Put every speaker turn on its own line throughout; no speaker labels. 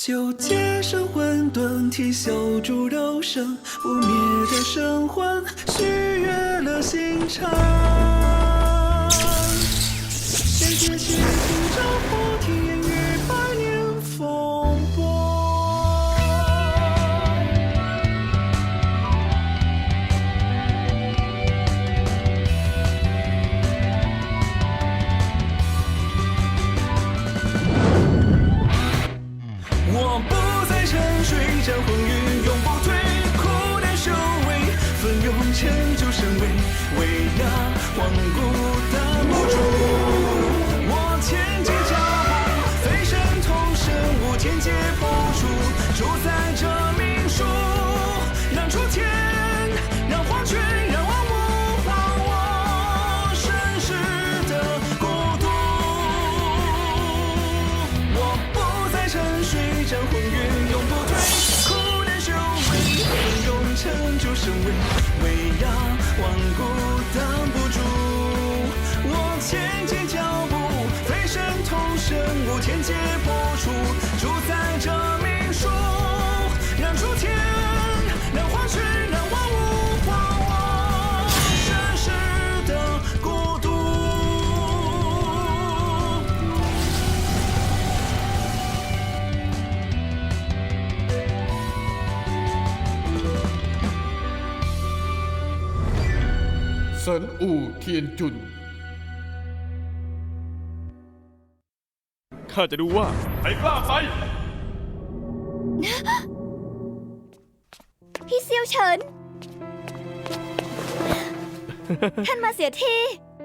就接生混沌体修筑斗生，不灭的神魂，续约了心肠。谁解析出招破天与百年风波？我不再沉睡，战魂云永不退，苦难修为，奋勇成就神威，威压万古挡不住。我前进脚步，飞身同生，无天劫破除，主宰这命数，让诸天，让黄泉，让万物还我盛世的国度。我不再沉睡，战魂云永不退，苦难修为，奋勇成就神威，威压万古挡不住。我前进脚步，飞身同生，无天劫破除，主宰这命数，让诸天，让黄泉，让万物还我盛世的国度。
神武天จุน
ข้าจะดูว่าใครกล้าไป
พี่เซียวเฉิน ท่านมาเสียที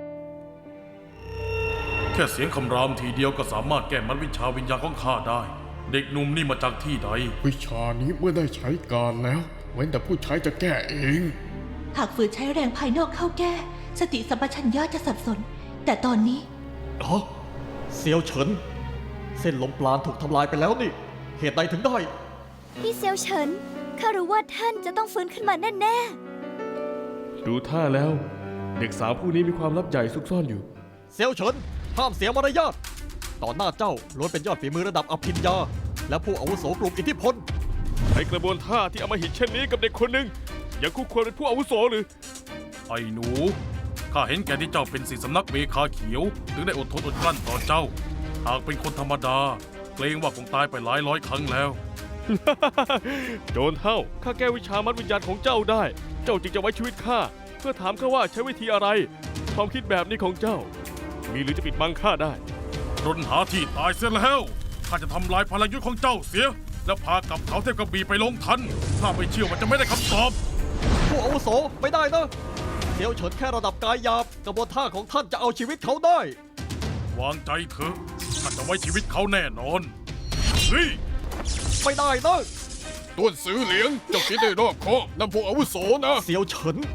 แค่เสียงคำรามทีเดียวก็สามารถแก้มัดวิชาวิญญาณของข้าได้ เด็กหนุ่มนี่มาจากที่ใด
วิชานี้เมื่อได้ใช้การแล้วเว้นแต่ผู้ใช้จะแก้เอง
หากฝืนใช้แรงภายนอกเข้าแก้ สติสัมปชัญญะจะสับสน แต่ตอนนี้
อ๋อเซียวเฉิน เส้นลมปราณถูกทำลายไปแล้วนี่ เหตุใดถึงได้
พี่เซียวเฉิน ข้ารู้ว่าท่านจะต้องฟื้นขึ้นมาแน่
ดูท่าแล้ว เด็กสาวผู้นี้มีความลับใหญ่ซุกซ่อนอยู่
เซียวเฉิน ห้ามเสียมารยาทต่อหน้าเจ้าล้วนเป็นยอดฝีมือระดับอภิญญา และผู้อาวุโสกลุ่มอิทธิพล
ใช้กระบวนท่าที่อำมหิตเช่นนี้กับเด็กคนหนึ่งยังคู่ควรเป็นผู้อาวุโสหรือ
ไอ้หนู ข้าเห็นแก่ที่เจ้าเป็นศิษย์สำนักเมฆาเขียว ถึงได้อดทนอดกลั้นต่อเจ้า หากเป็นคนธรรมดา เกรงว่าคงตายไปหลายร้อยครั้งแล้ว
โจรเท่าข้าแก้วิชามัดวิญญาณของเจ้าได้ เจ้าจึงจะไว้ชีวิตข้าเพื่อถามข้าว่าใช้วิธีอะไร ความคิดแบบนี้ของเจ้า มีหรือจะปิดบังข้าได้
รนหาที่ตายเสียแล้ว ข้าจะทำลายพลังยุทธของเจ้าเสีย แล้วพากลับเขาเทพกระบี่ไปลงทัน ถ้าไม่เชื่อว่าจะไม่ได้คำตอบ
ผู้อาวุโสไม่ได้นะเซียวเฉินแค่ระดับกายหยาบกระบวนท่าของท่านจะเอาชีวิตเขาได้
วางใจเถอะ ข้าจะไว้ชีวิตเขาแน่นอนเฮ้ย
ไม่ได้นะ
ต้วนซื้อเหลียงเจ้าคิดได้รอบคอบนั่นพวกอาวุโสนะ
เซียวเฉิน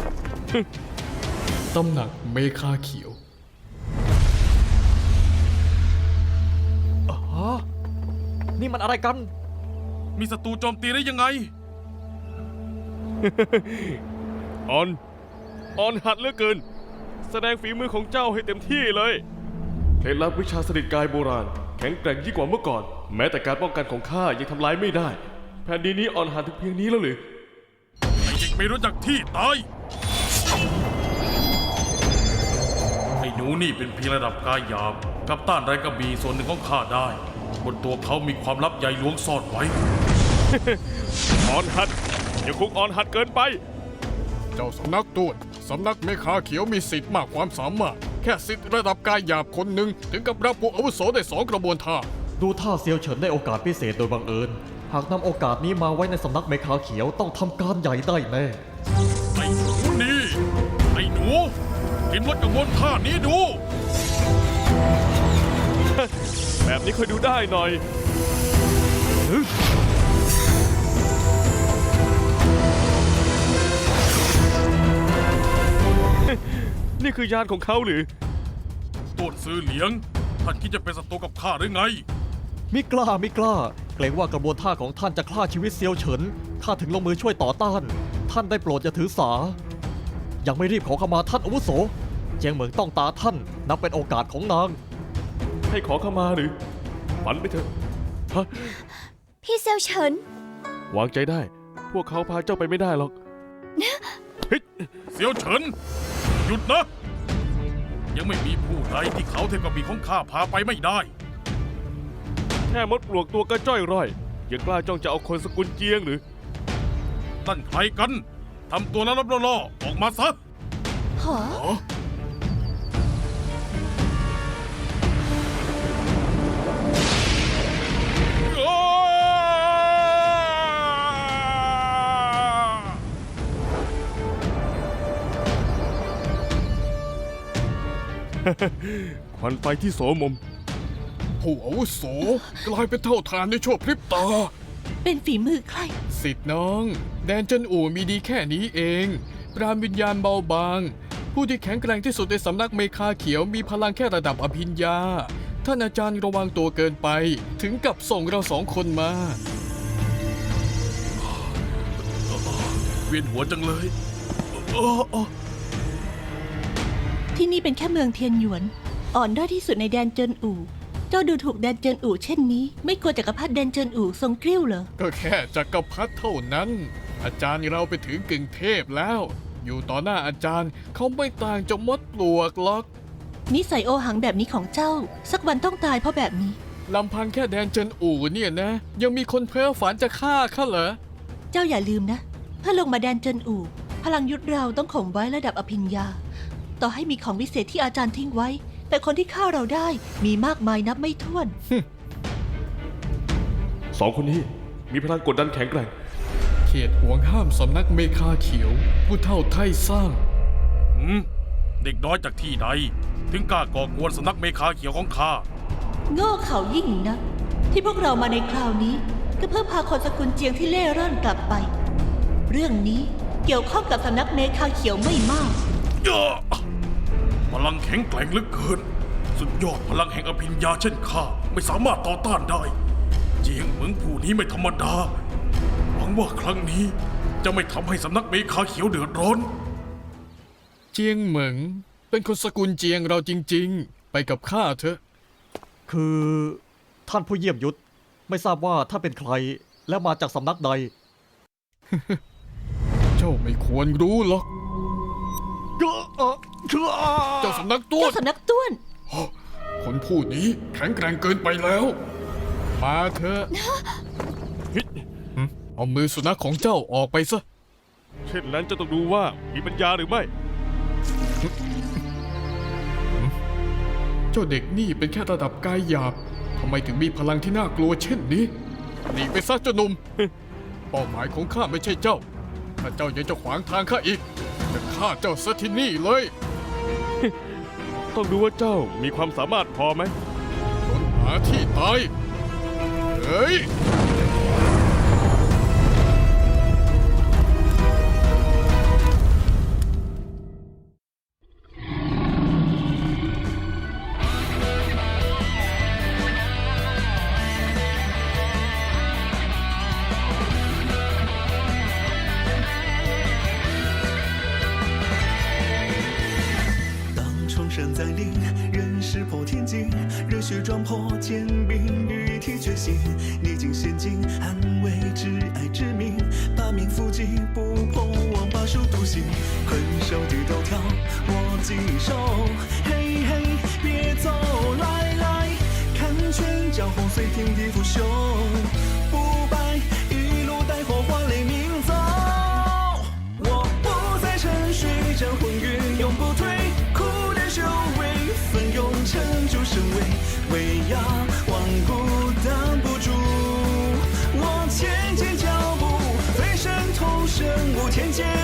ตำหนักเมฆาเขียว
ฮะ นี่มันอะไรกัน
มีศัตรูโจมตีได้ยังไง
ออนหัดเหลือเกิน แสดงฝีมือของเจ้าให้เต็มที่เลยเคล็ดลับวิชาสนิทกายโบราณ แข็งแกร่งยิ่งกว่าเมื่อก่อน แม้แต่การป้องกันของข้ายังทำลายไม่ได้ แผ่นดินนี้อ่อนหัดถึงเพียงนี้แล้วหรือ
ไอ้เด็กไม่รู้จักที่ตาย ไอ้หนูนี่เป็นเพียงระดับกายหยาบกับต้านแรงกระบี่ส่วนหนึ่งของข้าได้ บนตัวเขามีความลับใหญ่หลวงซ่อนไว้
อ่อนหัดยังคงอ่อนหัดเกินไป
เจ้าสำนักต้วนสำนักเมฆาเขียวมีสิทธิ์มากความสามารถ แค่สิทธิ์ระดับกายหยาบคนหนึ่งถึงกับรับพวกอาวุโสได้2 กระบวนท่า
ดูท่าเซียวเฉินได้โอกาสพิเศษโดยบังเอิญ หากนำโอกาสนี้มาไว้ในสำนักเมฆาเขียวต้องทำการใหญ่ได้แน่
ไอ้หนูนี่ ไอ้หนูกินรถกระบวนท่านี้ดู
แบบนี้ค่อยดูได้หน่อย นี่คือยานของเขาหรือ
ต้นซื้อเหลียง ท่านคิดจะเป็นศัตรูกับข้าหรือไง
มิกล้า เกรงว่ากระบวนท่าของท่านจะฆ่าชีวิตเซียวเฉินข้าถึงลงมือช่วยต่อต้าน ท่านได้โปรดอย่าถือสา ยังไม่รีบขอขมาท่านอาวุโส เจียงเหมิงต้องตาท่านนับเป็นโอกาสของนาง
ให้ขอเข้ามาหรือฝันไปเถอะฮะ
พี่เซียวเฉิน
วางใจได้ พวกเขาพาเจ้าไปไม่ได้หรอก
เสียวเฉิน หยุดนะ ยังไม่มีผู้ใดที่เขาเทพกบีของข้าพาไปไม่ได้
แค่มดปลวกตัวก็จ้อยร่อย ยังกล้าจ้องจะเอาคนสกุลเจียงหรือ
นั่นใครกัน ทำตัวแล้วรับล่อๆออกมาซะ
หอ
ควันไฟที่โสมม
ผู้อาวุโสกลายเป็นเท่าทานในชั่วพริบตา
เป็นฝีมือใคร
สิทธิ์น้อง แดนเจินอู่มีดีแค่นี้เอง ปราณวิญญาณเบาบาง ผู้ที่แข็งแกร่งที่สุดในสำนักเมคาเขียวมีพลังแค่ระดับอภิญญา ท่านอาจารย์ระวังตัวเกินไป ถึงกับส่งเราสองคนมา
เวียนหัวจังเลย
ที่นี่เป็นแค่เมืองเทียนหยวน อ่อนด้อยที่สุดในแดนเจินอู่ เจ้าดูถูกแดนเจินอู่เช่นนี้ ไม่กลัวจักรพรรดิแดนเจินอู่ทรงกริ้วเหรอ
ก็แค่จักรพรรดิเท่านั้น อาจารย์เราไปถึงกึ่งเทพแล้ว อยู่ต่อหน้าอาจารย์เขาไม่ต่างจากมดปลวกหรอก
นิสัยโอหังแบบนี้ของเจ้า สักวันต้องตายเพราะแบบนี้
ลำพังแค่แดนเจินอู่เนี่ยนะ ยังมีคนเพ้อฝันจะฆ่าข้าเหรอ
เจ้าอย่าลืมนะ ถ้าลงมาแดนเจินอู่ พลังยุทธเราต้องข่มไว้ระดับอภิญญา ต่อให้มีของวิเศษที่อาจารย์ทิ้งไว้ แต่คนที่ฆ่าเราได้มีมากมายนับไม่ถ้วน
สองคนนี้มีพลังกดดันแข็งแกร่ง
เขตห่วงห้ามสำนักเมคาเขียว ผู้เท่าไทยสร้าง
เด็กน้อยจากที่ใด ถึงกล้าก่อกวนสำนักเมคาเขียวของข้า
โง่เขายิ่งนัก ที่พวกเรามาในคราวนี้ ก็เพื่อพาคนสกุลเจียงที่เล่ร่อนกลับไป เรื่องนี้เกี่ยวข้องกับสำนักเมคาเขียวไม่มาก
พลังแข็งแกร่งเหลือเกิน สุดยอดพลังแห่งอภิญญาเช่นข้าไม่สามารถต่อต้านได้ เจียงเหมืองผู้นี้ไม่ธรรมดา หวังว่าครั้งนี้จะไม่ทำให้สำนักเมคาเขียวเดือดร้อน
เจียงเหมิงเป็นคนสกุลเจียงเราจริงๆ ไปกับข้าเถอะ
คือท่านผู้เยี่ยมยุทธไม่ทราบว่าท่านเป็นใครและมาจากสำนักใด
เจ้าไม่ควรรู้หรอก เจ้าสำนักต้ว
เจ้าน สำนักต้วน
คนผู้นี้แข็งแกร่งเกินไปแล้ว มาเถอะเอามือสุนัขของเจ้าออกไปซะ
เช่นนั้นจะต้องดูว่ามีปัญญาหรือไม่
เจ้าเด็กนี่เป็นแค่ระดับกายหยาบ ทำไมถึงมีพลังที่น่ากลัวเช่นนี้หนีไปซะเจ้าหนุ่ม เป้าหมายของข้าไม่ใช่เจ้า ถ้าเจ้ายังจะขวางทางข้าอีก จะฆ่าเจ้าซะที่นี่เลย
ต้องดูว่าเจ้ามีความสามารถพอไหม
ค้นหาที่ตาย เฮ้ย
当重生再临，人势破天际，热血撞破坚冰，与体觉醒，逆境险境，捍卫挚爱之名，八面伏击，不破王把守独行，困兽地头条，握紧手，嘿嘿，别走，来来，看拳脚后随天地腐朽，不败，一路带火花雷鸣走。我不再沉睡，战魂云永不退，苦难修为，奋勇成就神威，威压万古挡不住。我前进脚步，飞身投身无天界。